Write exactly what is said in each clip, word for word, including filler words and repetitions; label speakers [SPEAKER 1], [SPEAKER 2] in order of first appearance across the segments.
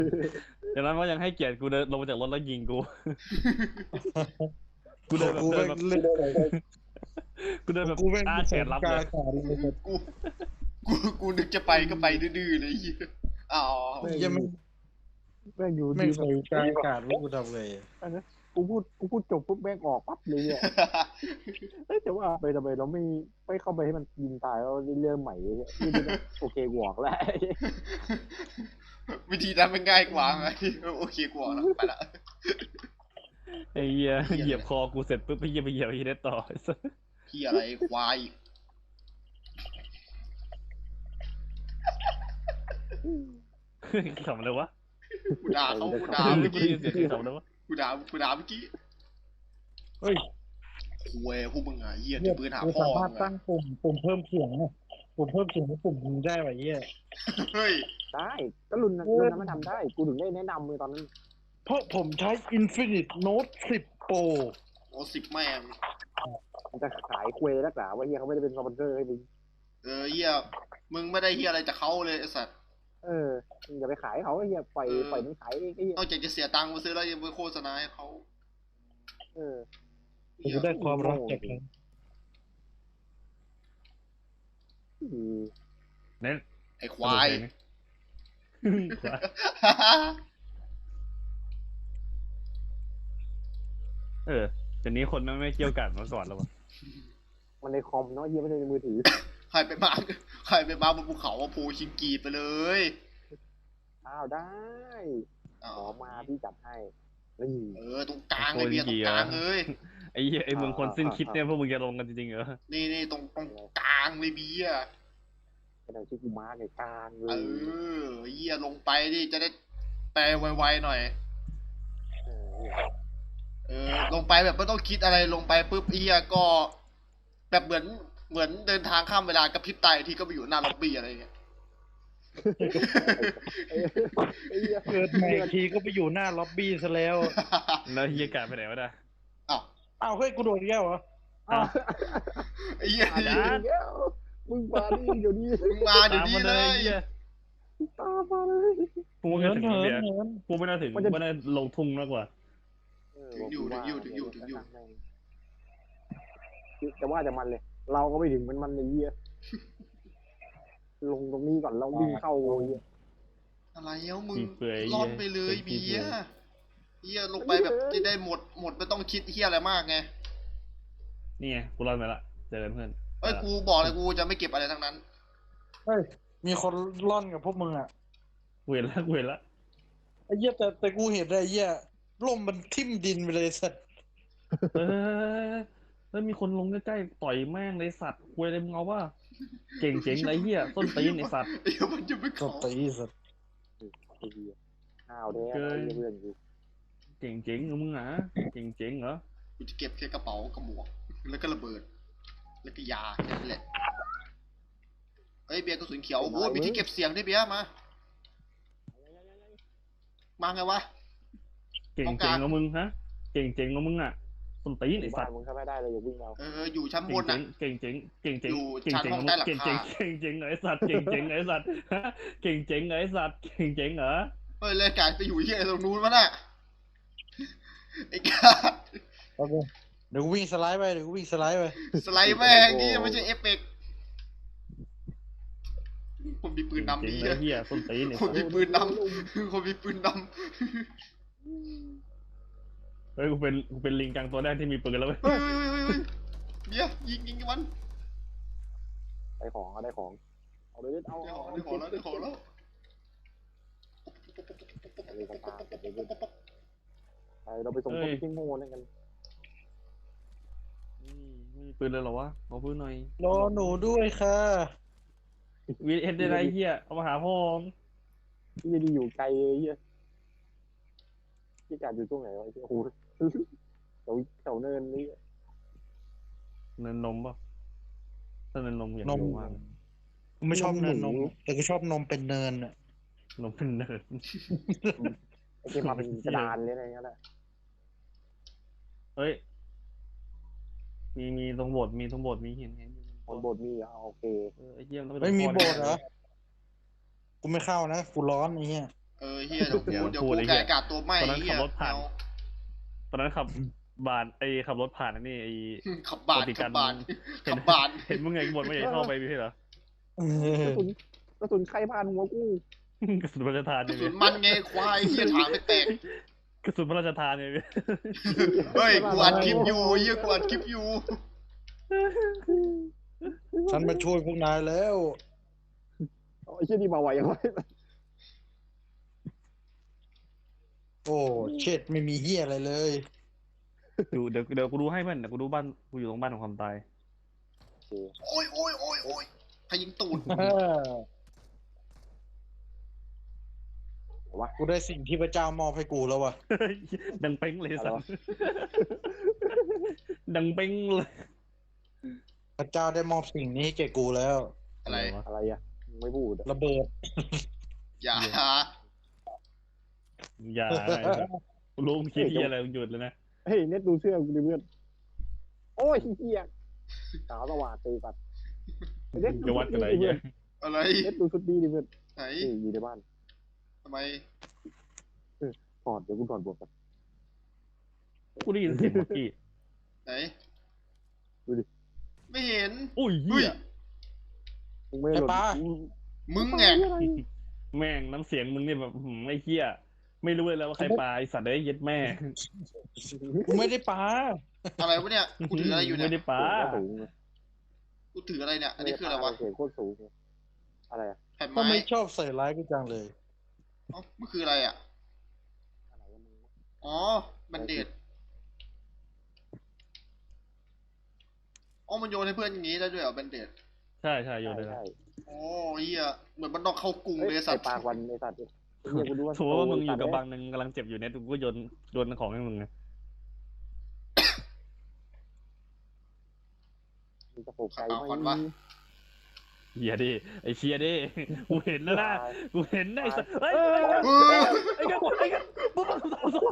[SPEAKER 1] อย่างนั้นว่ายังให้เกียรติกูเดินลงมาจากรถแล้วยิงกูกูเดินแบบ
[SPEAKER 2] กู
[SPEAKER 1] เดิ
[SPEAKER 2] แม่
[SPEAKER 1] น
[SPEAKER 2] ง
[SPEAKER 1] แบบ
[SPEAKER 2] เล่น
[SPEAKER 1] กูเดินแบบ
[SPEAKER 2] กูแม่ง
[SPEAKER 1] อ้าแขนรับ
[SPEAKER 2] ก
[SPEAKER 1] เล
[SPEAKER 2] ลาย ขาดเลย
[SPEAKER 3] กูกูกูนึกจะไปก็ไปดื้อๆเลยเหี้ยอ๋อ
[SPEAKER 2] ยังไม่
[SPEAKER 4] แม่งอยู่
[SPEAKER 2] ไม่
[SPEAKER 4] ดี
[SPEAKER 2] เคยกลายขาดว่ากูทำไง
[SPEAKER 4] อันนั้นกูพูดกูพูดจบปุ๊บแม่งออกปั๊บเลยเนี่ยเอ้ยแต่ว่าไปทำไมเราไม่ไม่เข้าไปให้มันยิงตายแล้วเรื่องใหม่เนี่ยนี่มันโอเคกูออกแล้ว
[SPEAKER 3] วิธีนั้นมันง่ายกว่าไงโอเคกว่าแล้วไปละ
[SPEAKER 1] ไอ้เหี้ย
[SPEAKER 3] เหี้ย
[SPEAKER 1] เหยียบคอกูเสร็จปุ๊บไปเหยียบไปเหยียบไอ้เหี้ยได้ต่อ
[SPEAKER 3] พี่อะไรควาย
[SPEAKER 1] ขำเลยวะ
[SPEAKER 3] กูด่าเขากูด่า
[SPEAKER 1] กู
[SPEAKER 3] เมื่อ
[SPEAKER 1] ได้
[SPEAKER 3] กี้
[SPEAKER 1] ยินเสียงขำเลยวะ
[SPEAKER 3] กูด่ากูด่าเมื่อกี้
[SPEAKER 2] เฮ้ย
[SPEAKER 3] คุยพวกมึงอ่ะเหี้ย
[SPEAKER 2] เนี่
[SPEAKER 3] จะ
[SPEAKER 2] ย
[SPEAKER 3] ปืนหา
[SPEAKER 2] กู
[SPEAKER 3] พ่อ
[SPEAKER 2] สามารถ
[SPEAKER 3] มึง
[SPEAKER 2] ตั้
[SPEAKER 3] อะ
[SPEAKER 2] งปุ่มปุ่มเพิ่มเสียงเนี่ยปุ่มเพิ่มเสียงกับปุ่มยิงได้ไว้เหี้ย
[SPEAKER 3] เฮ้ย
[SPEAKER 4] ได้ก็รุ่นนั้นรุ่นนั้นมันทำได้กูถึงได้แนะนำเลยตอนนั้น
[SPEAKER 2] เพราะผมใช้ Infinite Note สิบ Pro
[SPEAKER 3] โอ้สิบแม่ง
[SPEAKER 4] มันจะขายควยนักหนาว่าเฮียเขาไม่ได้เป็นสปอนเซอร์ให้มึง
[SPEAKER 3] เออเหี้ยมึงไม่ได้เหี้ยอะไรจากเขาเลยไอ้สัตว์
[SPEAKER 4] เออมึงอย่าไปขายเขาไอ้เฮียปล่อย
[SPEAKER 3] เออ
[SPEAKER 4] ปล่อยมันขายเองไอ้เฮีย
[SPEAKER 3] นอกจากจะเสียตังค์มาซื้อแล้วยังไปโฆษณาให้เขา
[SPEAKER 4] เออ
[SPEAKER 3] เหี้ย
[SPEAKER 2] กูได้ความรักจากเขา
[SPEAKER 4] อืม
[SPEAKER 1] เน้น
[SPEAKER 3] ไอ้ควาย
[SPEAKER 1] ควายเออเดี๋ยวนี้คนไม่ไม่เกี่ยวกันมาก่อนแล้ววะ
[SPEAKER 4] มันในคอมเนาะเฮียไม่ได้ในมือถือ
[SPEAKER 3] ใครไปมาใครไปมาบนภูเขาว่าภูชิงกีไปเลย
[SPEAKER 4] อ้าวได้
[SPEAKER 3] อ๋อ
[SPEAKER 4] ขอมาพี่จัดให้นี่
[SPEAKER 3] เออตรงกลางเลยเบียร์ตรงกลางเลย
[SPEAKER 1] ไอ้เหี้ยไอ้เมืองคนสิ้นคิดเนี่ยพวกมึงจะลงกันจริงๆเหรอ
[SPEAKER 3] นี่นี่ตรงตรงกลางเลยเบียร์
[SPEAKER 4] กระดาษชื่อกูมาร์กในกลางเล
[SPEAKER 3] เอย อเหี้ยลงไปดิจะได้แปลไวๆหน่อย
[SPEAKER 4] เออ
[SPEAKER 3] เออลงไปแบบไม่ต้องคิดอะไรลงไปปุ๊บเฮียก็ แบบเหมือนเหมือนเดินทางข้ามเวลากระพริบตาอีกทีก็ไปอยู่หน้าล็อบบี้อะไรเงี้ย
[SPEAKER 4] ไอ้ไอ้เหี้ย
[SPEAKER 2] เกิดมาอีกทีก็ไปอยู่หน้าล็อบบี้ซะแล้ว
[SPEAKER 1] แล้วเหี้ยกาไปไหนวะเนี่ย
[SPEAKER 3] อ้าว
[SPEAKER 2] อ้าวเฮ้ยกูโดนอีกแล้วเหรอ
[SPEAKER 1] อ้าว
[SPEAKER 3] ไอ้เหี้ย
[SPEAKER 4] อาจารย์มึงมาดิเดี๋ยวนี้
[SPEAKER 3] มึงมาเดี๋ยว
[SPEAKER 1] ตาม
[SPEAKER 3] นี้
[SPEAKER 1] มา
[SPEAKER 3] เล
[SPEAKER 1] เลย
[SPEAKER 3] ย
[SPEAKER 1] เหี้ย
[SPEAKER 4] ตามมาเลย
[SPEAKER 1] กูไม่
[SPEAKER 2] เหิ
[SPEAKER 1] น่าน ถึง
[SPEAKER 2] เหิน
[SPEAKER 1] เบียร์
[SPEAKER 2] เหิน
[SPEAKER 1] กูไม่น่าถึง
[SPEAKER 4] มันจะ
[SPEAKER 1] ไม่น่าลงทุ่งมากกว่า
[SPEAKER 4] เออ
[SPEAKER 3] ถึงอยู่ถึงอยู่ถึงอยู่ถึงอยู่
[SPEAKER 4] แต่ว่าจะมันเลย เราก็ไม่ถึงมันมันในเยี่ยลงตรงนี้ก่อนเราวิ่งเข้าเยี่ย
[SPEAKER 3] อะไรเอ้ามึง
[SPEAKER 1] ขี้เปื่อย
[SPEAKER 3] รอดไปเลย
[SPEAKER 1] เหี้
[SPEAKER 3] เบี
[SPEAKER 1] ย
[SPEAKER 3] ยร์เฮียลงไปแบบจะได้หมดหมดไม่ต้องคิดเฮียอะไรมากไง
[SPEAKER 1] นี่ไงกูรอดมาละเจอกันเพื่อน
[SPEAKER 3] เอ้ยกูบอกเลยกูจะไม่เก็บอะไรทั้งนั้น
[SPEAKER 2] เฮ้ยมีคนร่อนกับพวกมึงอ่ะ
[SPEAKER 1] กูเห็นละกูเห็นละ
[SPEAKER 2] ไอ้เหี้ยแต่แต่กูเห็นได้ไอ้เหี้ยล่มมันทิ่มดินไปเลยสัตว์
[SPEAKER 1] เออแล้วมีคนลงใกล้ๆต่อยแม่งเลยสัตว์คุยอะไรมึงเอาว่าเก่งเจ๋งไรเหี้ยต้นตีนไอสัตว์
[SPEAKER 3] เดี๋ยวมันจะไม่
[SPEAKER 2] ก็
[SPEAKER 3] เขา
[SPEAKER 2] ตีสัตว์
[SPEAKER 4] ไอ้เหี้ยข้าวแท้ไอ้เพื่อนกู
[SPEAKER 1] เก่งเจ๋งเหรอมึงอ่ะเก่งเจ๋งเหรอ
[SPEAKER 3] กูจะเก็บแค่กระเป๋ากับหมวกแล้วก็ระเบิด แล้วก็ยาแค่นั้นแหละเฮ้ยเบียร์กระสุนเขียวโอ้โหมีที่เก็บเสียงด้วยเบียร์มา มาไงวะ
[SPEAKER 1] เก่งเจ๋งเหรอมึงฮะเก่งเจ๋งเหรอมึงอ่ะต้นตีนไอสั
[SPEAKER 4] บ้า
[SPEAKER 1] ต
[SPEAKER 4] น
[SPEAKER 1] ว์
[SPEAKER 4] มึงเข้าไม่ได้เลยอย่าวิ่งเอา
[SPEAKER 3] เอออยู่ชั้นบ
[SPEAKER 1] เก่ง
[SPEAKER 3] น
[SPEAKER 1] เจ๋
[SPEAKER 3] น่ะ
[SPEAKER 1] งเก่งเจ๋งเก่งเจ๋ง
[SPEAKER 3] อยู่
[SPEAKER 1] เก่ง
[SPEAKER 3] ชั้น
[SPEAKER 1] เจ๋ง
[SPEAKER 3] ห้องใต้หลัง
[SPEAKER 1] เก่ง
[SPEAKER 3] คา
[SPEAKER 1] เจ๋งเก่งเจ๋งเหรอไอสัตว์เก่งเจ๋งเหรอไอสัตว์ฮะเก่งเจ๋งเหรอไอสัตว์เก่งเจ๋งเหรอ
[SPEAKER 3] เฮ้ยเลยกายไปอยู่ที่ไอ้ตรงนู้นวะน่ะไอ้กา
[SPEAKER 2] โอเคเดี๋ยวกูวิ่งสไลด์ไปเดี๋ยวกูวิ่งสไลด์ไป
[SPEAKER 3] สไลด์แม่งนี่ไม่ใช่เอฟเฟกต์คนมีปืน
[SPEAKER 1] เก่ง
[SPEAKER 3] นำ
[SPEAKER 1] เจ๋ง
[SPEAKER 3] ดี
[SPEAKER 1] เหรอ
[SPEAKER 3] อะ
[SPEAKER 1] เหี้ยต้นตีนไอ
[SPEAKER 3] คน
[SPEAKER 1] สัตว์
[SPEAKER 3] มีปืนนำคนมีปืนน
[SPEAKER 1] เฮ้ยกูเป็นกูเป็นลิงกังตัวแรกที่มีปืนแล้วเว้ย
[SPEAKER 3] ำเฮ้ยเฮ้ยเฮ้ยเฮ้ยเบียร์ยิงยิงมัน
[SPEAKER 4] ได้ของเอาได้ของเอาเลยเอา
[SPEAKER 3] ได้
[SPEAKER 4] เอา
[SPEAKER 3] ของได้ของแล้วได้ของแล้ว
[SPEAKER 4] เอาเลยกันตามกันเลยไปเราไปส่งคนที่โง่นั่นกัน
[SPEAKER 1] อืมไม่มีปืนเลยเหรอวะขอปืนหน่อย
[SPEAKER 2] รอหนูด้วยค่ะ
[SPEAKER 1] วีเอ็นได้ไรเหี้ยเอามาหาพ่อมึง
[SPEAKER 4] ที่จะดีอยู่ไกลเลยเฮียที่การอยู่ตรงไหนวะโอ้โหแถวแถวเนินนี่
[SPEAKER 1] เนินนมป่ะถ้าเนินนมอยาก
[SPEAKER 2] นม
[SPEAKER 1] ดูมาก
[SPEAKER 2] กูไม่ชอบเนินนมแต่กูชอบนมเป็นเนินอ่ะ
[SPEAKER 1] นมเป็นเนิน
[SPEAKER 4] ไอ้ที่มาเป็นกระดานเลยอะไรเงี้ยแหละ
[SPEAKER 1] เฮ้ยมีมีตรงโบสถ์มีตรงโบสถ์มีเห็นเห็นอยู่
[SPEAKER 4] บนบทมีเอาโอเค
[SPEAKER 1] เออไอ้เหี้ยต้องป
[SPEAKER 2] ไม่มี
[SPEAKER 1] ตรง
[SPEAKER 2] โบ
[SPEAKER 1] พ่อ
[SPEAKER 2] สถ์เหรอ กูไม่เข้านะ กูร้อนไอ้เหี้ย
[SPEAKER 3] เออเฮียเดี๋ยวกูเดี๋ยวกูแกะอากาศตัวไหม้
[SPEAKER 1] ตอนนั้น
[SPEAKER 3] เฮี
[SPEAKER 1] ขั
[SPEAKER 3] ย
[SPEAKER 1] บรถผ่าน
[SPEAKER 3] เอา
[SPEAKER 1] ตอนนั้นขับบานไอ้ขับรถผ่านอันนี่ไอ้
[SPEAKER 3] ขับบาน
[SPEAKER 1] ปกติ
[SPEAKER 3] ขั
[SPEAKER 1] การ
[SPEAKER 3] บบาน
[SPEAKER 1] เห็น
[SPEAKER 3] ขับบาน
[SPEAKER 1] เห็นมึงไงบ่นว่าอยากเข้าไปพี่เหรอก
[SPEAKER 4] ระสุนกระสุนใครผ่านหัวกู
[SPEAKER 1] กระสุนพระราชทาน
[SPEAKER 3] ก
[SPEAKER 1] เนี่
[SPEAKER 3] ระ
[SPEAKER 1] ย
[SPEAKER 3] สุ
[SPEAKER 1] พี่
[SPEAKER 3] นมันไงควายเฮียถางไม่แตก
[SPEAKER 1] กระสุนพระราชทานเนี่ยพี่
[SPEAKER 3] เฮ้ยกูอัดคลิปอยู่เฮียกูอัดคลิปอยู่
[SPEAKER 2] ฉันมาช่วยพวกนายแล้ว
[SPEAKER 4] ไอ้เชี่ยนี่มาไหวยังไง
[SPEAKER 2] โอ้เช็ดไม่มีเฮียอะไรเลย
[SPEAKER 1] อยู่เดี๋ยวเดี๋ยวกูดูให้มันเดี๋ยวกูดูบ้านกูอยู่ตรงบ้านของความตาย
[SPEAKER 3] โอ้ยโอ้ยโอ้ยโอ้ยใครยิงตูด
[SPEAKER 4] วะ
[SPEAKER 2] กูได้สิ่งที่พระเจ้ามอบให้กูแล้ววะ
[SPEAKER 1] ดังเป้งเลยสัตว์ดังเป้งเลย
[SPEAKER 2] พระเจ้าได้มอบสิ่งนี้ให้แก่กูแล้ว
[SPEAKER 3] อะไร
[SPEAKER 4] อะไรอ่ะไม่พูด
[SPEAKER 2] ระเบิด
[SPEAKER 3] อย่า
[SPEAKER 1] อย่ารู้มึงคิดที่อะไรมึงหยุดเลยนะ
[SPEAKER 4] เฮ้ยเน็ตดูเสื้อกูดิเพื่อนโอ้ยเฮียสาวสว่างตีปัดเน็ต
[SPEAKER 1] จะวัดกันอะไรเงี้ย
[SPEAKER 3] อะไร
[SPEAKER 4] เน็ตดูชุดดีดิเพื่อน
[SPEAKER 3] ไหน
[SPEAKER 4] นี่อยู่ในบ้าน
[SPEAKER 3] ทำไม
[SPEAKER 4] ถอดเดี๋ยวกูถอดบวกกัน
[SPEAKER 1] กูได้ยินเสียงเมื่อกี้
[SPEAKER 3] ไหน
[SPEAKER 4] ดูดิ
[SPEAKER 3] ไม่เห็น
[SPEAKER 1] อุ้ย
[SPEAKER 3] เฮ้
[SPEAKER 1] เหี้
[SPEAKER 3] ย
[SPEAKER 1] ย
[SPEAKER 4] มึงไม่หล่น
[SPEAKER 2] ไอ้ปลา
[SPEAKER 3] มึงไง
[SPEAKER 1] แม่งน้ำเสียงมึงเนี่ยแบบหืมไอ้เหี้ยไม่รู้เลยแล้วว่าใครปลาไอสัตว์ได้เย็ดแม่
[SPEAKER 2] กูไม่ได้ปา
[SPEAKER 3] อะไรวะเนี่ยกูถืออะไรอยู่เนี่ย
[SPEAKER 1] ไม่ได้ปลา
[SPEAKER 4] สูง
[SPEAKER 3] กูถืออะไรเนี่ยอันนี้คืออะไรวะ
[SPEAKER 4] เสียงโคตรสูงอะไรอะ
[SPEAKER 3] แผ่น
[SPEAKER 2] ก็
[SPEAKER 3] ไม้
[SPEAKER 2] ไม่ชอบใส่ร้ายกูจังเลย
[SPEAKER 3] เอ้ามันคืออะไรอ่ะ
[SPEAKER 4] อะไรวะมึง
[SPEAKER 3] อ๋อแบนเดดอ๋อมันโยนให้เพื่อนอย่างงี้ได้ด้วยเหรอแบนเดด
[SPEAKER 1] ใช่ใช่โยนเลยนะ
[SPEAKER 4] ใช่
[SPEAKER 3] โอ้เฮียเหมือนมันต้องเข้ากรุง
[SPEAKER 4] ใช่
[SPEAKER 3] เลย
[SPEAKER 4] ไอ้
[SPEAKER 3] สัตว์
[SPEAKER 4] ปากวันไอ้สัตว์เนี่ยกูดูว่า
[SPEAKER 1] สมมติว่ามึงอยู่กับบางหนึ่งกำลังเจ็บอยู่เนี่ยกูก็โยนโยนของให้มึงไง
[SPEAKER 4] มึงจะโปกใจไหม
[SPEAKER 1] เฮียดิไอเชียดิกูเห็นแล้วนะกูเห็นได้สัตว์เฮ้ย
[SPEAKER 3] เออ
[SPEAKER 1] ไอ้กันไอ้กันปุ๊บปุ๊บปุ๊บปุ๊บ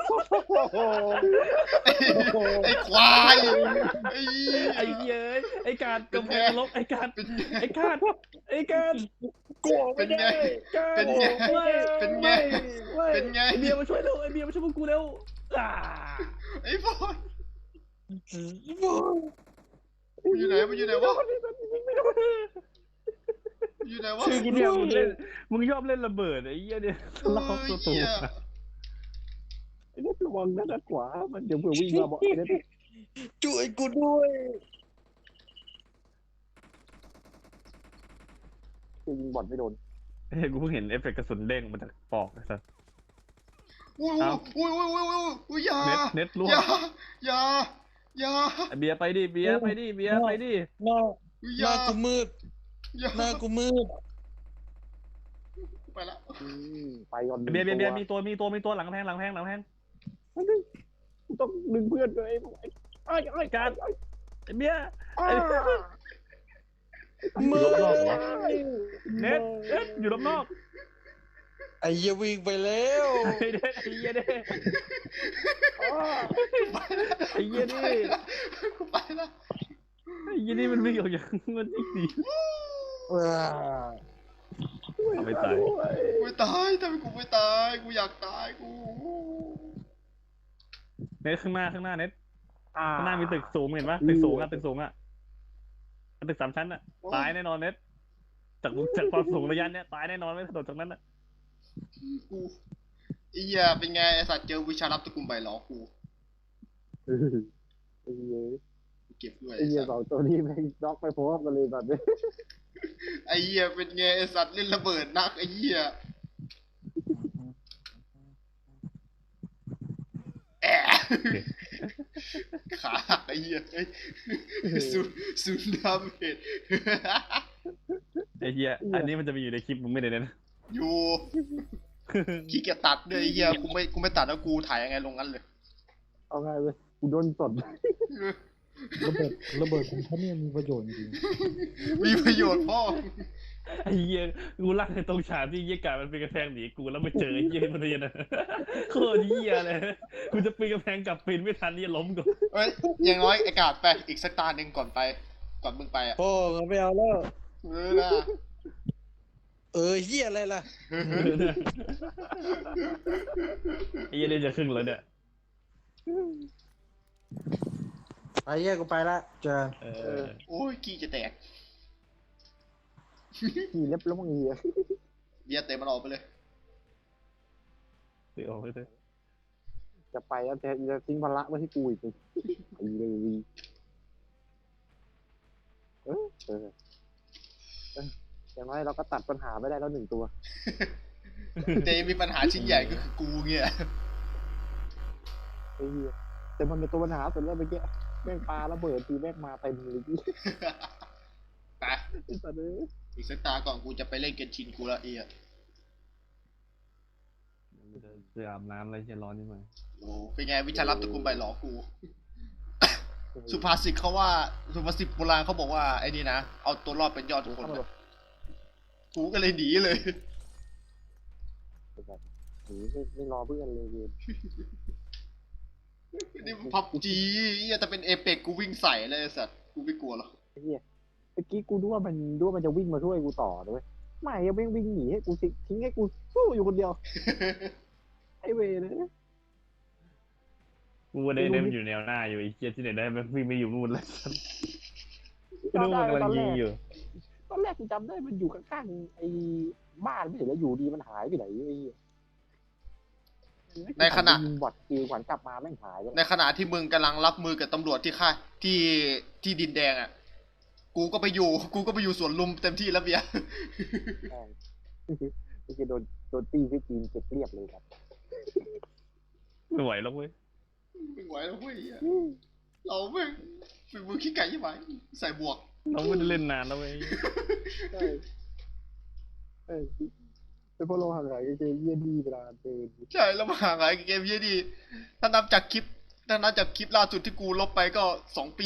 [SPEAKER 3] ไอ้ควายไอ้
[SPEAKER 1] ไอ้เหี้ยไอ้การกำแพงลบไอ้การ
[SPEAKER 3] เป็นไง
[SPEAKER 1] ไอ้การไอ้การ
[SPEAKER 2] กูออก
[SPEAKER 3] เป็
[SPEAKER 2] ไม่
[SPEAKER 3] นไง
[SPEAKER 2] ได้
[SPEAKER 1] การ
[SPEAKER 3] เป็นไง
[SPEAKER 1] ไม่
[SPEAKER 3] เป็นไง
[SPEAKER 1] ไม่
[SPEAKER 3] เป็นไง
[SPEAKER 1] ไอเบียร์มาช่วยเร็วไอเบียร์มาช่วยพวกกูเร็วอ่า
[SPEAKER 3] ไอ้บอยมันอยู่ไหนมันอยู่ไหนวะมันอยู่ไหนวะ
[SPEAKER 2] ช่วยกู
[SPEAKER 1] เนี่ย
[SPEAKER 2] ด้ว
[SPEAKER 1] มึง
[SPEAKER 2] ย
[SPEAKER 1] เล่นมึงยอบเล่นระเบิดไอ้เหี้ยเนี่ย
[SPEAKER 3] เอ
[SPEAKER 1] ล็อก
[SPEAKER 3] อ
[SPEAKER 1] ตัวตู
[SPEAKER 3] เหี้ย
[SPEAKER 4] ไอ้เนี่ยระวังนะด้านขวามันเดี๋ยวเผื่อวิ่งมาบอกไอ้เนี่ย
[SPEAKER 2] ช่วยกูด้วย
[SPEAKER 4] ยิงบอลไม่โดน
[SPEAKER 1] เฮ้ยกูเพิ่งเห็นเอฟเฟกต์กระสุนเด้งมาจากปอกไอ้สัส
[SPEAKER 3] โอ้ยโอ้ยโอ้ยโอ้ยโอ้ยโอ้ยอย่า
[SPEAKER 1] เน็ตเน็ตล่ว
[SPEAKER 3] อง ย่าอย่าอย่า
[SPEAKER 1] ไอเบียร์ไปดิเบียร์ไปดิเบียร์ไปดิ
[SPEAKER 2] หน้า
[SPEAKER 3] อ
[SPEAKER 2] ห
[SPEAKER 3] ย่า
[SPEAKER 2] น้ากูมืด
[SPEAKER 3] อย่า
[SPEAKER 2] หน้ากูมืด
[SPEAKER 3] ไปละ
[SPEAKER 4] อืมไปก่อน
[SPEAKER 1] เบียร์เบียร์เบียร์มีตัวมีตัวมีตัวหลังแพงหลังแพงหลังแพง
[SPEAKER 4] กูต้องดึงเพื่อนเลยไอ้ไอ้การ
[SPEAKER 1] ไอเบียร์
[SPEAKER 2] มืด
[SPEAKER 1] เน็ตเน็ตอยู่รอบนอก
[SPEAKER 2] ไอ้เหี้ยวิ่งไปแล้ว
[SPEAKER 1] ไอ้เด็กไอ้เหี้ยเด็กไอ้เหี้ยนี่
[SPEAKER 3] กูไปละ
[SPEAKER 1] ไอ้เหี้ยนี่มันวิ่งออกจากมันอีกดี
[SPEAKER 2] ว้า
[SPEAKER 1] เอาไปตาย
[SPEAKER 3] กูไม่ตายทำไมกูไม่ตายกูอยากตายกู
[SPEAKER 1] เน็ตข้างหน้าข้างหน้าเน็ตข้างหน้ามีตึกสูงเห็นปะตึกสูงอะตึกสูงอะตึกสามชั้นอะตายแน่นอนเน็ตจากจากความสูงระยะเนี้ยตายแน่นอนไม่กระโดดจากนั้นอะ
[SPEAKER 3] กูไอ้เหี้ยเป็นไงไอ้สัตว์เจอวิชารับตระกูลใบหลอกู
[SPEAKER 4] ไอ้เหี้ย
[SPEAKER 3] กูเก็บด้วย
[SPEAKER 4] ไอ้
[SPEAKER 3] ไอ้
[SPEAKER 4] เหี้ย
[SPEAKER 3] สัต
[SPEAKER 4] สอ
[SPEAKER 3] ว์
[SPEAKER 4] งตัวนี้แม่งน็อกไปพร้อมกันเลยแบบนี้
[SPEAKER 3] ไอ้เหี้ยเป็นไงไอ้สัตว์เล่นระเบิดนักไอ้เหี้ยแอะขาหักไอ้เหี้ยเอ้ยซูซูนดาเมจ
[SPEAKER 1] ไอ้เหี้ยอันนี้มันจะมีอยู่ในคลิปมึงไม่ได้เน็ต
[SPEAKER 3] อยู่ขี้เกียจตัดด้วยไอ้เหี้ยกูไม่กูไม่ตัดแล้วกูถ่ายยังไงลงงั้นเลย
[SPEAKER 4] เอาไงเลยกูโดนสด
[SPEAKER 2] ระเบิดระเบิดของเขาเนี่ยมีประโยชน์จริง
[SPEAKER 3] มีประโยชน์พ่อ
[SPEAKER 1] ไอ้เหี้ยกูรักในตรงฉากที่เหี้ยกามันเป็นกระแพงหนีกูแล้วไปเจอไอ้เหี้ยมันเรียนอะโคตรเหี้ยเลยกูจะปีนกระแพงกลับปีนไม่ทันนี่ล้มก่อน
[SPEAKER 3] เอ้ยอย่างน้อยไอ้กาดไปอีกสักตาหนึ่งก่อนไปก่อนมึงไปอ่ะ
[SPEAKER 2] พ่อไม่เอาแล้ว
[SPEAKER 3] เออนะ
[SPEAKER 2] เออเฮียอะไรล่ะ
[SPEAKER 1] ไอ้เหี้ยนี่จะครึ่งแล้วเนี่ย
[SPEAKER 2] ไปเฮียกูไปละเจอ
[SPEAKER 1] เออ
[SPEAKER 3] โอ้ยกี้จะแตก
[SPEAKER 4] ขี่เล็บแล้วมึงเหี้ย
[SPEAKER 3] เบียร์เตะมันออกไปเลย
[SPEAKER 1] เดี๋ยวเอาไปเลย
[SPEAKER 4] จะไปแล้วแต่จะทิ้งภาระไว้ที่กูอีกไปเลยเออเออเอออย่างน้อยเราก็ตัดปัญหาไม่ได้แล้วหนึ่งตัว
[SPEAKER 3] แต่ยังมีปัญหาชิ้นใหญ่ก็คือกูเงี้ย
[SPEAKER 4] ไอ้เหี้ยแต่มันเป็นตัวปัญหาสุดแล้วเมื่อกี้แม่งปลาระเบิดทีแม่งมาเต็มเลยที่
[SPEAKER 3] ไป
[SPEAKER 4] ไอ้สัตว์เอ้ย
[SPEAKER 3] อีกสักตาก่อนกูจะไปเล่นเกนชินกูละเอีย
[SPEAKER 1] เสื้ออาบน้ำอะไรเชี่ยร้อนนี่มา
[SPEAKER 3] โอ้เป็นไงวิชาลับตระกูลใบหลอกู สุภาษิตเขาว่าสุภาษิตโบราณเขาบอกว่าไอ้นี่นะเอาตัวรอดเป็นยอดทุกคนนะกูก็เลยหนีเลย
[SPEAKER 4] ไอ้สัตว์หนีไม่ไม่รอเพื่อนเลยเว้ย
[SPEAKER 3] นี่พับจีแต่เป็นเอเปกกูวิ่งใส่เลยไอ้สัตว์กูไม่กลัวหรอก
[SPEAKER 4] ไอ้เหี้ยเมื่อกี้กูดูว่ามันดูว่ามันจะวิ่งมาช่วยกูต่อเลยไม่ยังไม่วิ่งหนีให้กูสิทิ้งให้กูสู้อยู่คนเดียวไอ้เวรเลย
[SPEAKER 1] กูว่าได้ได้มันอยู่แนวหน้าอยู่ไอ้เชี่ยที่ไหนได้มันวิ่งไม่อยู่นู่นแล้วไม่รู้มันกำลังยิงอยู่
[SPEAKER 4] ตอนแรกกูจำได้มันอยู่ข้างๆไอ้บ้านไม่เห็นแล้วอยู่ดีมันหายไปไหนไอ้เหี้ย
[SPEAKER 3] ในขณะ
[SPEAKER 4] ยิงบอดคิวขวัญกลับมาแม่งหายไป
[SPEAKER 3] ในขณะที่มึงกำลังรับมือกับตำรวจที่ค่ายที่ที่ดินแดงอ่ะ กูก็ไปอยู่ กูก็ไปอยู่สวนลุมเต็มที่แล้วเบียร์
[SPEAKER 4] แม่งไอ้เหี้ยโดนโดนตีที่จีนเก็บเรียบเลยครับ
[SPEAKER 1] ไม่ไหวแล้วเว้ย
[SPEAKER 3] ไม่ไหวแล้วเว้ยเหี้ยเราแม่งฝีมือขี้ไก่ยี่ไหมใส่บวก
[SPEAKER 1] เราไม่ได้เล่นนานแล้วเว้ย
[SPEAKER 4] ใช่เออเป็นเพราะเราห่างหายกับเกมเยี่ยดีเวลาเดิน
[SPEAKER 3] ใช่แล้วมาหาไงเกมเยี่ยดี ถ้านับจากคลิป ถ้านับจากคลิปล่าสุดที่กูลบไปก็สองปี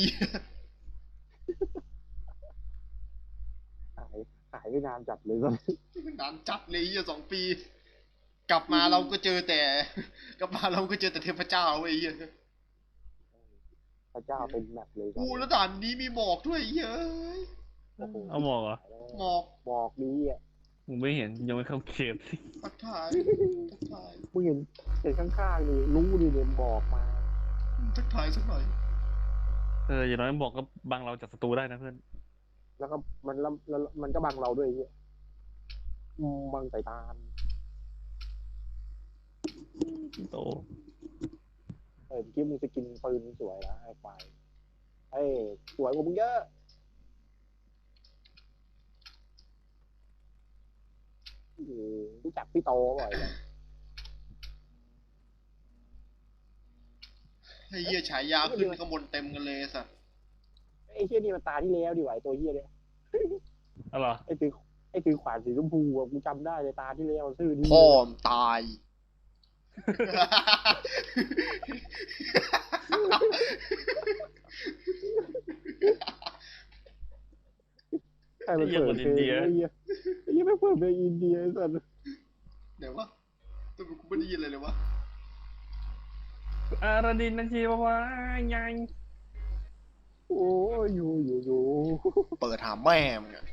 [SPEAKER 4] หายหายไปนานจัดเลยก็
[SPEAKER 3] นานจัดเลยยี่สองปี กลับมาเราก็เจอแต่ กลับมาเราก็เจอแต่เทพเจ้าเว้ยเหี้ย
[SPEAKER 4] พระเจ้าเป็นแมปเลย
[SPEAKER 3] กูแล้วด่านนี้มีหมอกด้วยเย้ย
[SPEAKER 1] เอาหมอกเหรอ
[SPEAKER 3] หมอก
[SPEAKER 4] บอกดีอ่ะ
[SPEAKER 1] มึงไม่เห็นยังไม่เข้าเขต
[SPEAKER 3] ทักทายทักทาย
[SPEAKER 4] มึงเห็นเห็นข้างๆนี่รู้ดิเนี่ยบอกมา
[SPEAKER 3] ทักทายสักหน่อย
[SPEAKER 1] เอออย่างน้อยบอกก็บังเราจากศัตรูได้นะเพื่อน
[SPEAKER 4] แล้วก็มันแล้วแล้วมันก็บังเราด้วยไอ้เหี้ยอืมบังสายตา
[SPEAKER 1] โต
[SPEAKER 4] เออเมื่อกี้มึงจะกินปืนสวยนะไอ้ควายเอ้ยสวยกว่ามึงเยอะเออรู้จักพี่โตบ่อยเลย
[SPEAKER 3] ไอ้เหี้ยฉายาขึ้นข้างบนเต็มกันเลยสัตว์
[SPEAKER 4] ไอ้เหี้ยนี่มันตาที่แล้วดีกว่าไอ้ตัวเหี้ยเนี่ย
[SPEAKER 1] เอาเหรอ
[SPEAKER 4] ไอ้ถือไอ้ถือขวานสีชมพูอะกูจำได้เลยตาที่แล้วชื่อนี้
[SPEAKER 3] พ่อมตาย
[SPEAKER 4] ใครมันเปิดเพลงไอ้เหี้ยไอ้เหี้ยไม่เปิดเพลงอินเดียไอ้สัส
[SPEAKER 3] เดี๋ยววะทำไมกูไม่ได้ยินอะไรเลยวะ
[SPEAKER 1] อาราดินนันชีวาวายัง
[SPEAKER 4] โอ้ยอยู่อยู่อยู่
[SPEAKER 3] เปิดหาแม่มึงอะ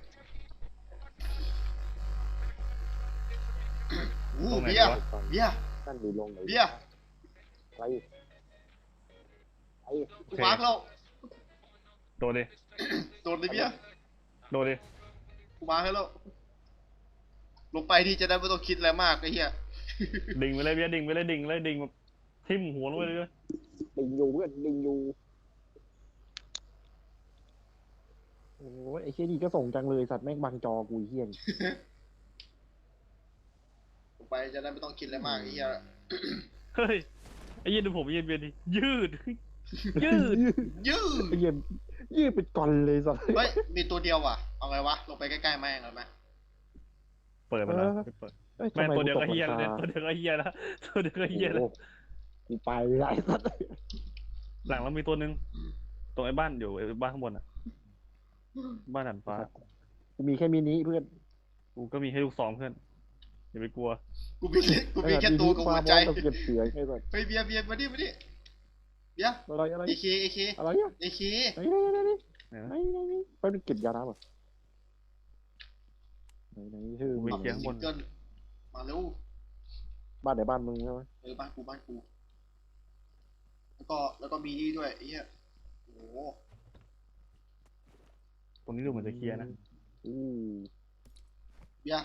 [SPEAKER 3] อู้เบียร์เบียร์
[SPEAKER 4] นั่นดีลงไหน
[SPEAKER 3] เบียร์
[SPEAKER 4] อะไรไอ้
[SPEAKER 3] กูมาร์กแล้ว
[SPEAKER 1] โดดดิ
[SPEAKER 3] โดนเลยเบียร์
[SPEAKER 1] โดดดิ
[SPEAKER 3] กูมาร์กให้แล้ว ลงไปที่จะได้ไม่ต้องคิดอะไรมากไอ้เหี้ย
[SPEAKER 1] ดิ่งไปเลยเบียร์ดิ่งไปเลยดิ่งเลยดิ่งแบบทิ่มหัวลงไปเลย
[SPEAKER 4] ดิงอยู่เพื่อนดิงอยู่โอ้ยไอ้เชี่ยดีก็ส่งจังเลยสัตว์แม่งบังจอกูเฮี้ยน
[SPEAKER 3] ลงไปจะได้ไม่ต้องคิดอะไรมากไอ้เหี้ย
[SPEAKER 1] เฮ้ยไอ้เหี้ยดูผมเย็นเบียร์ดิยืด ยืด
[SPEAKER 3] ยืด
[SPEAKER 4] ไอ้เหี้ยยืดเป็นกอนเลยสัตว์
[SPEAKER 3] เฮ้ย มีตัวเดียวว่ะ เอาไงวะ ลงไปใกล้ๆแม่งเลยไหม
[SPEAKER 1] เปิดมาแล้วไม่เปิด
[SPEAKER 4] อ้ย
[SPEAKER 1] แม่ง
[SPEAKER 4] ทำ
[SPEAKER 1] ตัวเดียวก็
[SPEAKER 4] ต
[SPEAKER 1] เฮีย
[SPEAKER 4] ห
[SPEAKER 1] แล้ว
[SPEAKER 4] ง
[SPEAKER 1] เนี่ย
[SPEAKER 4] คา
[SPEAKER 1] ตัวเดียวก็เฮียแล้วตัวเดียวก็เฮียแล้ว
[SPEAKER 4] โอ้โหกูไปไม่ได้สัตว์
[SPEAKER 1] หลังเรามีตัวหนึงตรงไอ้บ้านอยู่ไอ้บ้านข้างบนอ่ะบ้านหันฟ้า
[SPEAKER 4] กูมีแค่มินิเพื่อน
[SPEAKER 1] กูก็มีให้ลูกสองเพื่อนอย่าไปกลัว
[SPEAKER 3] กูมีกูมีแค่ตัวกับหัวใจ
[SPEAKER 4] ต้องเก็บเสียงไอ้สัตว์
[SPEAKER 3] เฮ้ยเบียร์เบียร์มาดิมาดิเบียร์
[SPEAKER 4] อะไรอะไร
[SPEAKER 3] เอเคเอเค
[SPEAKER 4] อะไรเนี่ย
[SPEAKER 3] เอเค
[SPEAKER 4] ไอ้นี่ไอ้นี่
[SPEAKER 1] ไหน
[SPEAKER 4] ไอ้
[SPEAKER 1] วะ
[SPEAKER 4] นี่ไอ้นี่ไปเก็บยาน้ำอ่ะไหนไหนชื่อ
[SPEAKER 1] กู
[SPEAKER 4] มึ
[SPEAKER 1] ไป
[SPEAKER 4] ง
[SPEAKER 1] เคลียร์ข้างบน
[SPEAKER 3] ซิงเกิลมาเร็ว
[SPEAKER 4] บ้านไหนบ้านมึงใช่ไหม
[SPEAKER 3] เออบ้านกูบ้านกูแล้วก็แล้วก็มีนี่ด้วยไอ้เหี้ยโอ้โห
[SPEAKER 1] ตรงนี้ดูเหมือนจะเคลียร์นะ
[SPEAKER 4] อู้
[SPEAKER 3] เบียร์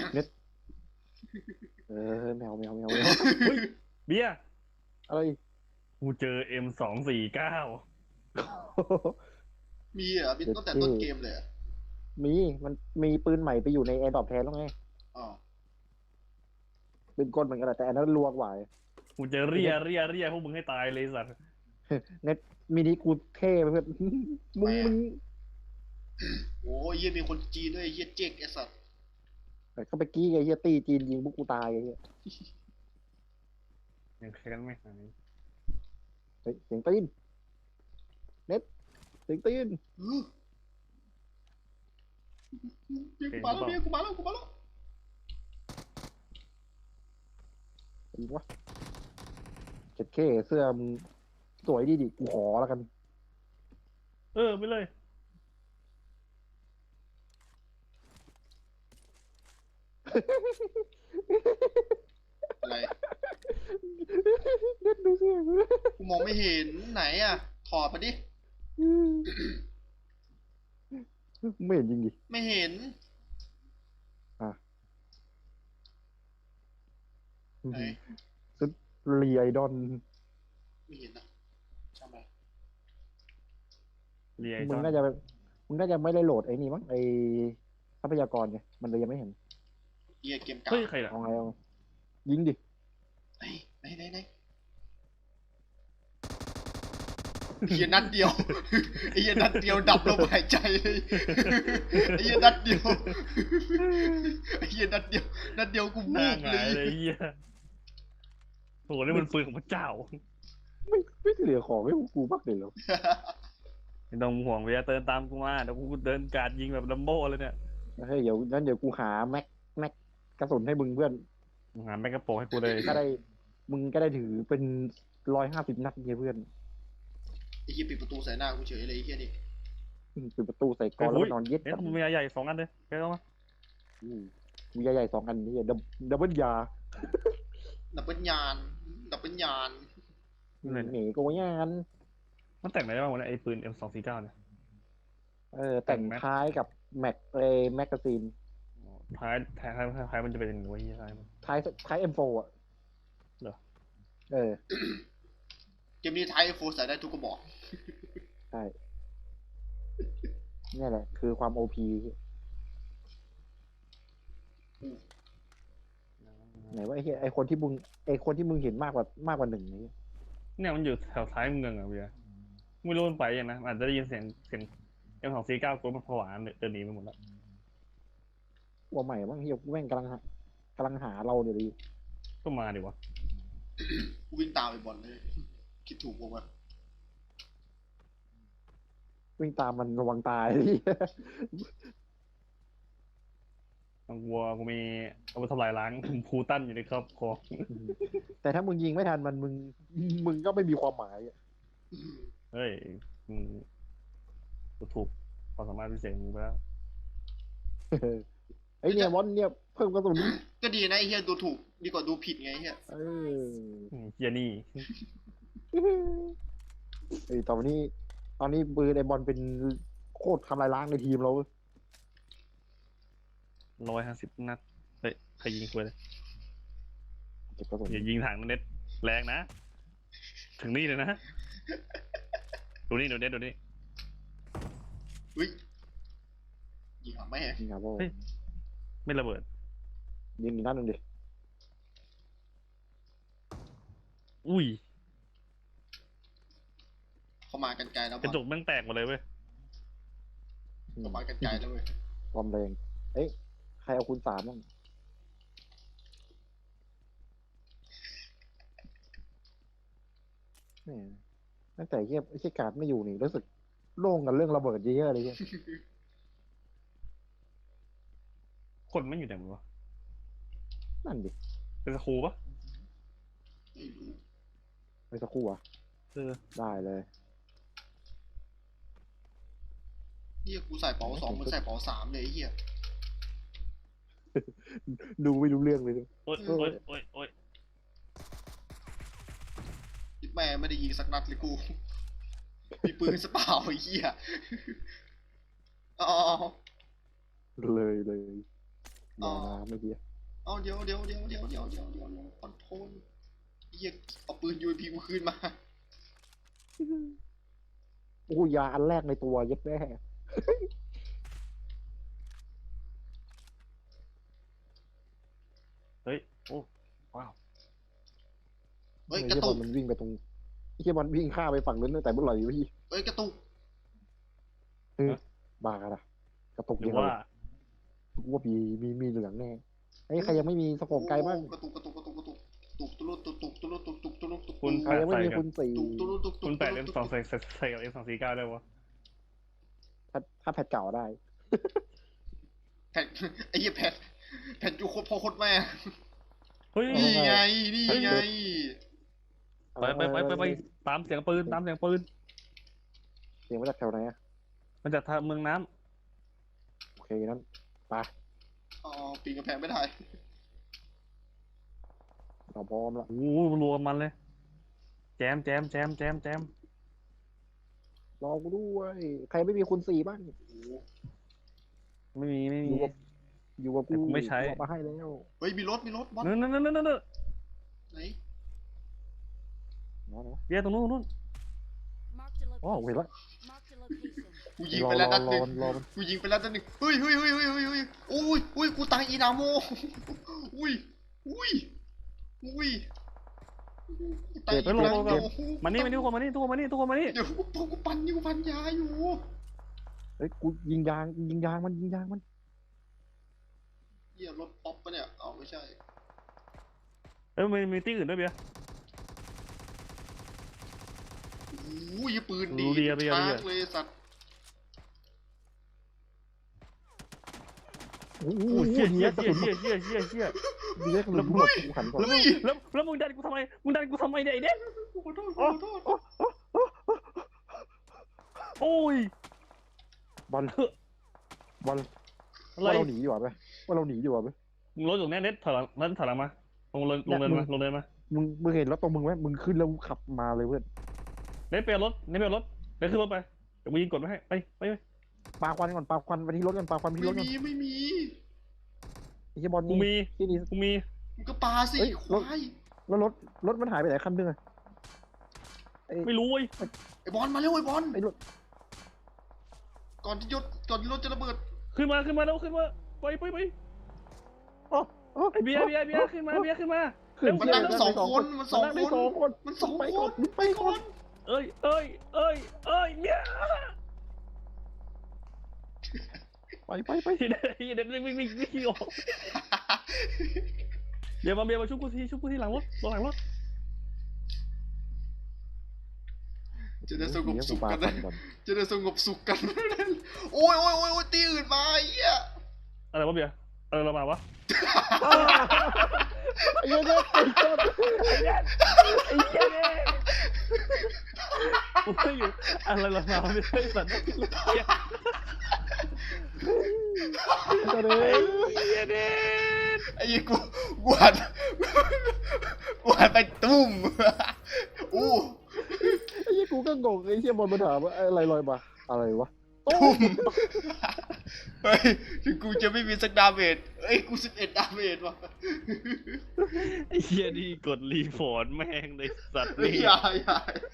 [SPEAKER 4] เออแมวแมวแมวแมว
[SPEAKER 1] เฮ้ยเบียร์
[SPEAKER 4] อะไร
[SPEAKER 1] กูเจอ เอ็ม สองสี่เก้า
[SPEAKER 3] มีเหรอมีตั้งแต่ต้นเกมเลยเหรอ
[SPEAKER 4] มีมันมีปืนใหม่ไปอยู่ในแอร์ดรอปแทนแล้วไง
[SPEAKER 3] อ๋อ
[SPEAKER 4] ปืนกลเหมือนกันแหละแต่อันนั้นรัวกว่า
[SPEAKER 1] กูเจอเรียเรียเรียพวกมึงให้ตายเลยสัตว์
[SPEAKER 4] เน็ตมินิกูเท่ไปเพื่อน มึงมึง
[SPEAKER 3] โอ้ยเหี้ยมีคนจีนด้วยไอ้เหี้ยเจ๊กไอ้สัตว์
[SPEAKER 4] เข้าไปกี้ไอ้เหี้ยตีจีนยิงพวกกูตายไอ้เหี้ย
[SPEAKER 1] ยังแค้นไม่หาย
[SPEAKER 4] เฮ้ยเสียงตีนเน็ตเสียงตีน
[SPEAKER 3] อื้อเบียร์กูมาแล้วเบียร์กูมาแล้วกูมาแล้ว
[SPEAKER 4] อีกวะเจ็ดเคเสื้อมึงสวยดีดิกูขอแล้วกัน
[SPEAKER 1] เออไปเลย
[SPEAKER 3] อะไร
[SPEAKER 4] เน็ตดูเสื้อกู
[SPEAKER 3] กูมองไม่เห็นไหนอ่ะถอดมาดิ
[SPEAKER 4] ไม่เห็นจริงดิ
[SPEAKER 3] ไม่เห็นไหน
[SPEAKER 4] เรียไอดอน
[SPEAKER 3] ไม่เห็นนะใช่ไหม
[SPEAKER 1] เรีย
[SPEAKER 4] มึ
[SPEAKER 1] จ
[SPEAKER 4] ง
[SPEAKER 1] อน
[SPEAKER 4] น่าจะมึงน่าจะไม่ได้โหลดไอ้นี่มั้งไอทรัพยากรไงมันเลยยังไม่เห็น
[SPEAKER 3] เหี้ยเกมเก่า
[SPEAKER 1] เฮ้ยใครล่ะ
[SPEAKER 4] เอาไงเอาไงยิงดิ
[SPEAKER 3] ไหนไหนไหนไหนไอ้เหี้ยนัดเดียวไอ้เหี้ยนัดเดียวดับลมหายใจเลยไอ้เหี้ยนัดเดียวไอ้เหี้ยนัดเดียวนัดเดียวกู
[SPEAKER 1] ห
[SPEAKER 3] มู
[SPEAKER 1] น้าก ห
[SPEAKER 3] เล
[SPEAKER 1] งาย
[SPEAKER 3] ย
[SPEAKER 1] เลยเฮียโหนี่มันปืนของพระเจ้า
[SPEAKER 4] ไม่ไม่เหลือของให้พวกกูบ้างเลยเหรอ
[SPEAKER 1] ไม่ต้องห่วงเบียร์เดินตามกูมาเดี๋ยวกูเดินกราดยิงแบบลัมโบ้เลยเนี่ย
[SPEAKER 4] เฮ้ยเดี๋ยวงั้นเดี๋ยวกูหาแม็กแม็กกระสุนให้มึงเพื่อน
[SPEAKER 1] มึงหาแมกกาโปรให้กูเลย
[SPEAKER 4] ก็ได้มึงก็ได้ถือเป็นร้อยห้าสิบนัดไงเพื่อน
[SPEAKER 3] ไอ้เหี้ยปิดประตูใส่หน้ากูเฉยเลยไอ้เหี้ยนี่
[SPEAKER 4] ปิดประตูใส่กรอนแล้วนอนเย็ด
[SPEAKER 1] เอ๊ะ
[SPEAKER 4] กับ
[SPEAKER 1] มึงมีอะไรใหญ่สองอันเลยแกเอามา
[SPEAKER 4] อืมมีใหญ่ๆสองอันนี่ดับดับเบิลยา
[SPEAKER 3] ดับเบิลยานดับเบิลยาน
[SPEAKER 4] หนีโกยาน
[SPEAKER 1] มันแต่งอะไรได้บ้างวะเนี่ยไอ้ปืน เอ็ม สองสี่เก้าเนี่ย
[SPEAKER 4] เออแต่ง
[SPEAKER 1] แต่งไหม
[SPEAKER 4] ท้ายกับแม็กเอแมกกาซีน
[SPEAKER 1] ท้ายท้ายท้ายท้ายมันจะเป็นยังไงวะเฮียท้ายมัน
[SPEAKER 4] ท้ายท้ายเอ็มโฟอ่ะ
[SPEAKER 1] เหรอ
[SPEAKER 4] เออ
[SPEAKER 3] เกมนี้ไทยโฟใส่ได้ทุกกระบอก
[SPEAKER 4] ใช่เนี่ยแหละ คือความโอพีไหนว่าไอ้เหี้ยไอ้คนที่มึงไอ้คนที่มึงเห็นมากกว่ามากกว่าหนึ่งนี่
[SPEAKER 1] เนี่ยมันอยู่แถวท้ายเมืองอะเบียร์ไม่รู้มันไปยังนะอาจจะได้ยินเสียงเสียง เอ็ม สองสี่เก้ากูมันผวาเดินหนีไปหมดแล้ว
[SPEAKER 4] ตัวใหม่บ้างเฮียแม่งกำลังหากำลังหาเราเดี๋ยวดิ
[SPEAKER 1] ก็มาดิวะ
[SPEAKER 3] กูวิ่งตามไปบอลเลย คิดถูกปะวะ
[SPEAKER 4] วิ่งตามมันระวังตายดิ
[SPEAKER 1] บางวัวกูมีอาวุธทำลายล้างพูตันอยู่ในครอบครัว
[SPEAKER 4] แต่ถ้ามึงยิงไม่ทันมันมึงมึงก็ไม่มีความหมายอะ
[SPEAKER 1] เฮ้ยมึงกูถูกความสามารถพิเศษของมึงไปแล้ว
[SPEAKER 4] ไอ้เนี่ยวอนเนี่ยเพิ่มกระสุน
[SPEAKER 3] ก็ดีนะไอ้เหี้ยดูถูกดีกว่าดูผิดไงไอ้เหี้ย
[SPEAKER 4] เออ
[SPEAKER 1] อืมเฮียนี่
[SPEAKER 4] ไอ้ยตอนนี้ ตอนนี้ปืนไอ้บอลเป็นโคตรทำลายล้างในทีมเราเว้ย
[SPEAKER 1] ร้อยห้าสิบนัดเฮ้ยใครยิงกูเลย
[SPEAKER 4] เก็บกระสุน
[SPEAKER 1] อย่ายิงถังนะเน็ตแรงนะ ถึงนี่เลยนะ ดูนี่ดูเน็ตดูนี่
[SPEAKER 3] อุ้ยยิงหางแม่
[SPEAKER 4] นี่ครับพ่อ
[SPEAKER 1] เฮ้ย ไม่ระเบิด
[SPEAKER 4] ยิงอีกนัดหนึ่งดิ
[SPEAKER 1] อุ้ย
[SPEAKER 3] เข้ามากันไกลแล้ว
[SPEAKER 1] กระจกแม่งแตกหมดเลยเว้ย
[SPEAKER 3] เข้ามากันไกลแล้วเว้ย
[SPEAKER 4] ความแรง เอ้ยใครเอาคูณสามบ้างแหม่ตั้งแต่เฮียไอ้เชี่ยการ์ดไม่อยู่นี่รู้สึกโล่งกันเรื่องระเบิดเยอะๆเลยเฮีย
[SPEAKER 1] คนไม่อยู่ไหนหมดวะ
[SPEAKER 4] นั่นดิ
[SPEAKER 1] เป็นสครูปะ
[SPEAKER 3] ไม่รู้
[SPEAKER 4] ไปสักครู่อ่ะ
[SPEAKER 1] เออ
[SPEAKER 4] ได้เลย
[SPEAKER 3] เหี้ยกูใส่เป๋าสองมึงใส่เป๋าสามเลยไอ้เหี้ย
[SPEAKER 4] ดูไม่รู้เรื่องเลยเนี่ย
[SPEAKER 1] โอ๊ยโอ๊ยโอ๊ยโอ๊ย
[SPEAKER 3] แม่ไม่ได้ยิงสักนัดเลยกู มีปืนสเปล่าไอ้เหี้ยอ๋อ
[SPEAKER 4] เลยเลย
[SPEAKER 3] อ๋อ
[SPEAKER 4] มาไม่เดีย
[SPEAKER 3] เอาเดี๋ยวเดี๋ยวเดี๋ยวเดี๋ยวเดี๋ยวเดี๋ยวเดี๋ยวคอนโทรลเหี้ยเอาปืนยูพีกูคืนมา
[SPEAKER 4] โอ้ยาอันแรกในตัวเย็ดแม่
[SPEAKER 1] เฮ้ยโอ้ว้าว
[SPEAKER 3] เฮ้ย
[SPEAKER 4] ไอ้
[SPEAKER 3] กระ
[SPEAKER 4] เหี้ยบ
[SPEAKER 3] ตุ
[SPEAKER 4] อก ลมันวิ่งไปตรงไอ้เหี้ยบอลวิ่งข้ามไปฝั่งนู้นตั้งแต่เมื่อไหร่วะพี่
[SPEAKER 3] เฮ้ยกระตุก
[SPEAKER 4] บ้าละกระตุก
[SPEAKER 1] หรื
[SPEAKER 4] ยั
[SPEAKER 1] อง
[SPEAKER 4] ไง
[SPEAKER 1] ว่า
[SPEAKER 4] กูว่ามีมีมีเหลืองแน่ไอ้ยใครยังไม่มีสโคปไกลบ้าง
[SPEAKER 3] กระตุกกระตุกกระตุกกระตุกตุกตุลุตุกตุกตุลุตุกตุกตุลุตุก
[SPEAKER 1] คุณ
[SPEAKER 4] ใครยังไม่มีคุณสี่
[SPEAKER 3] ตุกตุลุตุกตุก
[SPEAKER 1] คุณแปดเอ็มสองใส่ใส่ใส่กับเอ็มสองสี่เก้าได้วะ
[SPEAKER 4] ถ้าถ้าแพทเก่าได้
[SPEAKER 3] แผ่นไอ้เหี้ยแผ่นแผ่นยูโคตรพ่อโคตรแม่
[SPEAKER 1] เฮ้ย
[SPEAKER 3] นี่ไงนี่ไง
[SPEAKER 1] ไปไปไปไปไปตามเสียงปืนตามเสียงปืน
[SPEAKER 4] เสียงมาจากแถวไหนอะ
[SPEAKER 1] มันจากทางเมืองน้
[SPEAKER 4] โอเคนั้นไป
[SPEAKER 3] อ๋อปีนกระแพงไม่ได้
[SPEAKER 4] เราพร้อมแล้ว
[SPEAKER 1] ำโอ้โหรวมมันเลย แจมแจมแจมแจมแจม
[SPEAKER 4] รอกูด้วยใครไม่มีคุณสี่บ้าง
[SPEAKER 1] ไม่มีไม่
[SPEAKER 4] อ
[SPEAKER 1] มี
[SPEAKER 4] ยู่กับอยู่กับ
[SPEAKER 1] แต่
[SPEAKER 4] กู
[SPEAKER 1] กูไม่ใช้
[SPEAKER 4] เอามาให้แล้ว
[SPEAKER 3] เฮ้ยมีรถมีรถบอล
[SPEAKER 1] นั่นนั่นนั่นนั่นนั่น
[SPEAKER 3] ไหน
[SPEAKER 4] นะนะ
[SPEAKER 1] เบียร์ตรงนู้นตรงนู้น
[SPEAKER 4] อ๋อเห็นละ
[SPEAKER 3] กูยิง
[SPEAKER 4] รอ
[SPEAKER 3] ไป
[SPEAKER 4] ร
[SPEAKER 3] แล้ว
[SPEAKER 4] อ
[SPEAKER 3] นัด
[SPEAKER 4] ร
[SPEAKER 3] ห
[SPEAKER 4] อ
[SPEAKER 3] นึ่ง
[SPEAKER 4] มันรอมัน
[SPEAKER 3] กูยิงไปแล้วนัดหนึ่งเฮ้ยเฮ้ยเฮ้ยเฮ้ยเฮ้ยเฮ้ยอุ้ยอุ้ยกูตายอีนาโมอุ้ยอุ้ยอุ้ยกูตายอีนาโม
[SPEAKER 1] มานี่มานี่ทุกคนมานี่ทุกคนมานี่ทุกคนมานี่
[SPEAKER 3] เดี๋ยวกูกูปั่นอยู่ปั่นยาอยู่
[SPEAKER 4] เฮ้ยกูยิงยางยิงยางมันยิงยางมัน
[SPEAKER 3] เหี้ยรถป๊อปปะเนี่ยเอาไม่ใช่
[SPEAKER 1] เอ้ยมันมีที่อื่นด้วยเบียร์
[SPEAKER 3] อุ้ยปืนดี
[SPEAKER 1] รู้เบียร์เบียร์
[SPEAKER 3] ชา
[SPEAKER 1] เบีย
[SPEAKER 3] ร์
[SPEAKER 1] ร์
[SPEAKER 3] จเลยสัตว์
[SPEAKER 4] โอ้โห
[SPEAKER 1] โอ้ยเชี่ย
[SPEAKER 4] ดี
[SPEAKER 1] เชี่ย
[SPEAKER 4] กระ
[SPEAKER 1] เชี่
[SPEAKER 4] สุ
[SPEAKER 1] ย
[SPEAKER 4] น
[SPEAKER 1] เชี่ยเชี่ยเชี่ยเชี่ย
[SPEAKER 4] ดีกระสุนหมดกูหันก่อน
[SPEAKER 1] แล้วมึงแล้วแล้วมึงดันกูทำไมมึงดันกูทำไมเนี่ยไอ้เด็ก
[SPEAKER 3] ขอโทษขอโทษ
[SPEAKER 1] โอ้ย
[SPEAKER 4] บอลบอล
[SPEAKER 1] อะไร
[SPEAKER 4] ว่าเราหนีดีกว่าไหมว่าเราหนีดีกว่าไหม
[SPEAKER 1] มึงรถอยู่แน่เน็ตถอยหลังนั่นถอยหลังมาลงลงลงเดินมาลงเดินมา
[SPEAKER 4] มึงมึงเห็นรถตรงมึงไหมมึงขึ้นแล้วขับมาเลยเพื่อน
[SPEAKER 1] เน็ตเปลี่ยนรถเน็ตเปลี่ยนรถเน็ตขึ้นรถไปเดี๋ยวมึงยิงกดไม่ให้ไปไปไป
[SPEAKER 4] ปาควันก่อนปาควันไปที่รถก่อนปาควันไปที่
[SPEAKER 3] ไม่
[SPEAKER 4] รถก่อน
[SPEAKER 3] มีไม่มี
[SPEAKER 4] ไอ้เหี้ยบอล
[SPEAKER 1] กู
[SPEAKER 4] นี่
[SPEAKER 1] มี
[SPEAKER 4] ที่นี่
[SPEAKER 1] กูมี
[SPEAKER 3] มึงก็ปาสิ
[SPEAKER 4] เฮ้ย
[SPEAKER 3] ควาย
[SPEAKER 4] แล้วรถรถมันหายไปไหนคันนึงอะไอ้
[SPEAKER 1] ไม่รู้เว้ย
[SPEAKER 3] ไอ้บอลมาเร็วไอ้บอล
[SPEAKER 4] ไอ้รถ
[SPEAKER 3] ก่อนที่ยศก่อนที่รถจะระเบิด
[SPEAKER 1] ขึ้นมาขึ้นมาแล้วขึ้นมาไปไปไป
[SPEAKER 4] อ๋ออ๋อ
[SPEAKER 1] ไอเบียร์เบียร์เบียร์ขึ้นมาเบียร์ขึ้นมา
[SPEAKER 4] ขึ้น
[SPEAKER 3] มันนั่งสองคนมันสอง
[SPEAKER 4] นั่ง
[SPEAKER 3] ค
[SPEAKER 4] ได้
[SPEAKER 3] น
[SPEAKER 4] สองคน
[SPEAKER 3] มันสอง
[SPEAKER 4] ไป
[SPEAKER 3] ค
[SPEAKER 4] ก่อน
[SPEAKER 3] น
[SPEAKER 4] ไปก่อน
[SPEAKER 1] เอ้ยเอ้ยเอ้ยเอ้ยเบียร์
[SPEAKER 4] ไปไปไป
[SPEAKER 1] เด็ดเด็ดวิ่งวิ่งวิ่งวิ่งออกเดี๋ยวมาเบียร์มาชุบกูทีชุบกูทีหลังรถตรงหลังรถ
[SPEAKER 3] จะได้สงบสุข
[SPEAKER 4] ปา
[SPEAKER 3] กัน
[SPEAKER 4] ควั
[SPEAKER 3] นะ
[SPEAKER 4] นก่อน
[SPEAKER 3] จะได้สงบสุขกัน โอ้ยโอ้ยโอ้ยโอ้ยตีอื่นมาไอ้เหี้ย
[SPEAKER 1] อะไรวะเบียร์เออเรามาวะ
[SPEAKER 4] ไอ้เหี้ยเนี่ยไอ้เหี้ย
[SPEAKER 1] ไอ้เด็ดไอ้เหี้ยเนี่ยกูไม่อยู่อะไรเรามาไม่ใช่สัตว์เหี้ย
[SPEAKER 4] ไอ้เหี้ย
[SPEAKER 1] ไอ้
[SPEAKER 4] เนี่ย
[SPEAKER 1] เหี้ยเด็ด
[SPEAKER 3] ไอ้เหี้ยกูกูหันกูหันไปตุ้มอู้
[SPEAKER 4] ไอ้เหี้ยกูก็งงไอ้เหี้ยบอลมาถามว่าอะไรลอยมาอะไรวะ
[SPEAKER 3] ตุ้มเฮ้ยถึงกูจะไม่มีสักดาเมจเอ้ยกูสิบเอ็ดดาเมจว่ะ
[SPEAKER 1] ไอ้เหี้ยนี่กดรีพอร์ตแม่งในสัตว์
[SPEAKER 3] ไม่
[SPEAKER 1] นี่
[SPEAKER 3] อย่าอย่า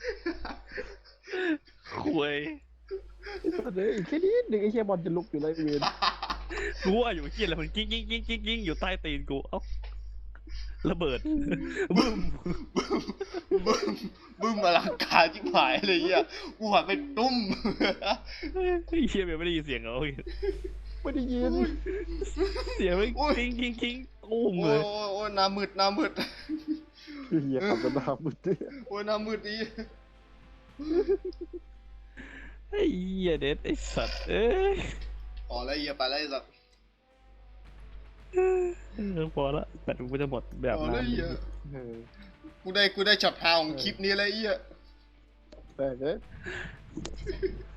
[SPEAKER 1] คุย
[SPEAKER 4] ไอ้สัตว์เนี่ยอีกแค่นี้หนึ่งไอ้เหี้ยบอลจะลุกอยู่เลยเวียน
[SPEAKER 1] กูว่าอยู่เหี้ยอะไรมันกิ้งกิ้งกิ้งกิ้งกิ้งอยู่ใต้ตีนกูเอ้าระเบิดบึ้ม
[SPEAKER 3] บึ้มบึ้มอลังการที่หายเลยเหี้ยกูหันไปตุ้ม
[SPEAKER 1] ไอ้เหี้ยไม่ได้ยินเสียงเหรอ
[SPEAKER 4] ไม่ได้ยิน
[SPEAKER 1] เสียงไม่กิ้งกิ้งกิ้งตุ้ม
[SPEAKER 3] โอ้
[SPEAKER 1] เลย ย
[SPEAKER 3] โอ้ยโอ้ยหน้ามืดหน้ามืด
[SPEAKER 4] เหี้ยขับกันดาบมืดเนี่ย
[SPEAKER 3] โอ้ยหน้ามืดดี
[SPEAKER 1] ไอ้เหี้ยเด็ดไอ้สัตว์เอ้ย
[SPEAKER 3] อ๋อแล้วเหี้ยไปแล้วไอ้สัตว์
[SPEAKER 1] เออพอละแบตกูจะหมดแบบ
[SPEAKER 3] อ๋อ
[SPEAKER 1] นั้
[SPEAKER 3] แล้ว
[SPEAKER 1] น
[SPEAKER 3] เหี้ย
[SPEAKER 4] เออ
[SPEAKER 3] กูได้กูได้ช็อตฮาของคลิปนี้แล้วไอ้เหี้ย
[SPEAKER 4] แต่เนี่ย